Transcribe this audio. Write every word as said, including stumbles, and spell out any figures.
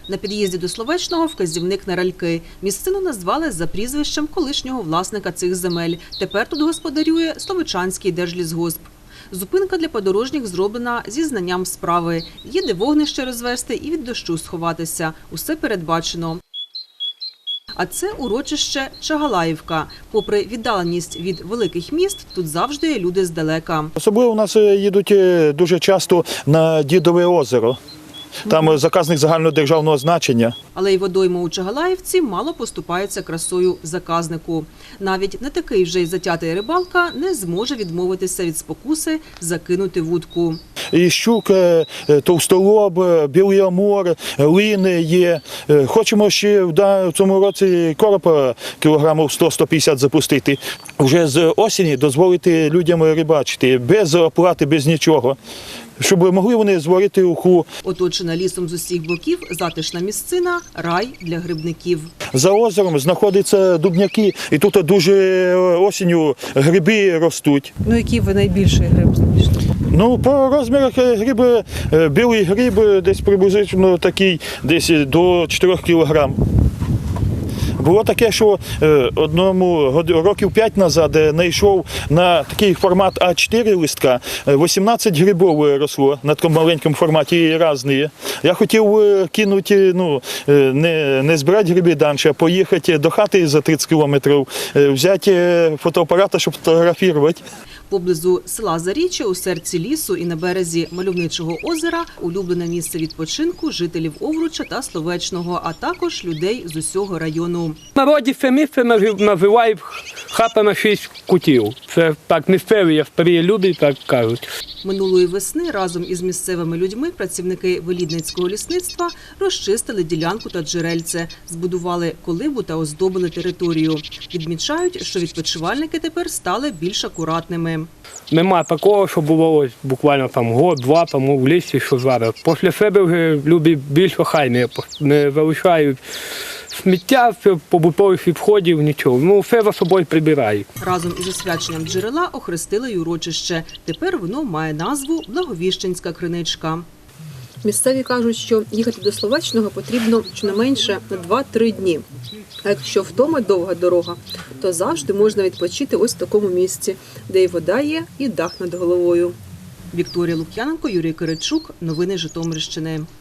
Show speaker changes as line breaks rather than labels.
На під'їзді до Словечного вказівник на ральки. Місцину назвали за прізвищем колишнього власника цих земель. Тепер тут господарює Словечанський держлісгосп. Зупинка для подорожніх зроблена зі знанням справи. Є де вогнище розвести і від дощу сховатися. Усе передбачено. А це урочище Чагалаївка. Попри віддаленість від великих міст, тут завжди є люди здалека.
Особливо у нас їдуть дуже часто на Дідове озеро. Там заказник загальнодержавного значення.
Але й водойма у Чагалаївці мало поступається красою заказнику. Навіть не такий вже й затятий рибалка не зможе відмовитися від спокуси закинути вудку.
І щук, товстолоб, білий амур, лини є. Хочемо ще в цьому році коропа кілограмів сто - сто п'ятдесят запустити. Вже з осені дозволити людям рибачити, без оплати, без нічого. Щоб могли вони зварити уху.
Оточена лісом з усіх боків, затишна місцина – рай для грибників.
За озером знаходяться дубняки, і тут дуже осінню гриби ростуть.
Ну, який ви найбільший гриб знайшли?
Ну, по розмірах гриби, білий гриб десь приблизно такий, десь до чотирьох кілограм. Було таке, що одному років п'ять назад знайшов на такий формат а чотири листка, вісімнадцять грибів росло на такому маленькому форматі різні. Я хотів кинути, ну, не, не збирати гриби далі, а поїхати до хати за тридцять кілометрів, взяти фотоапарат, щоб фотографувати.
Поблизу села Заріччя, у серці лісу і на березі мальовничого озера – улюблене місце відпочинку жителів Овруча та Словечного, а також людей з усього району.
В народі це місце називають хата шість кутів. Це так місцеві старі люди так кажуть.
Минулої весни разом із місцевими людьми працівники Велідницького лісництва розчистили ділянку та джерельце, збудували колибу та оздобили територію. Відмічають, що відпочивальники тепер стали більш акуратними.
Нема такого, що було ось буквально там год-два тому в лісі, що зараз. Після себе вже люди більш охайні, не залишають сміття, побутових відходів, нічого. Ну, все за собою прибирають.
Разом із освяченням джерела охрестили й урочище. Тепер воно має назву Благовіщенська криничка.
Місцеві кажуть, що їхати до Словечного потрібно щонайменше на два-три дні. А якщо вдома довга дорога, то завжди можна відпочити ось в такому місці, де і вода є, і дах над головою.
Вікторія Лук'яненко, Юрій Киричук. Новини Житомирщини.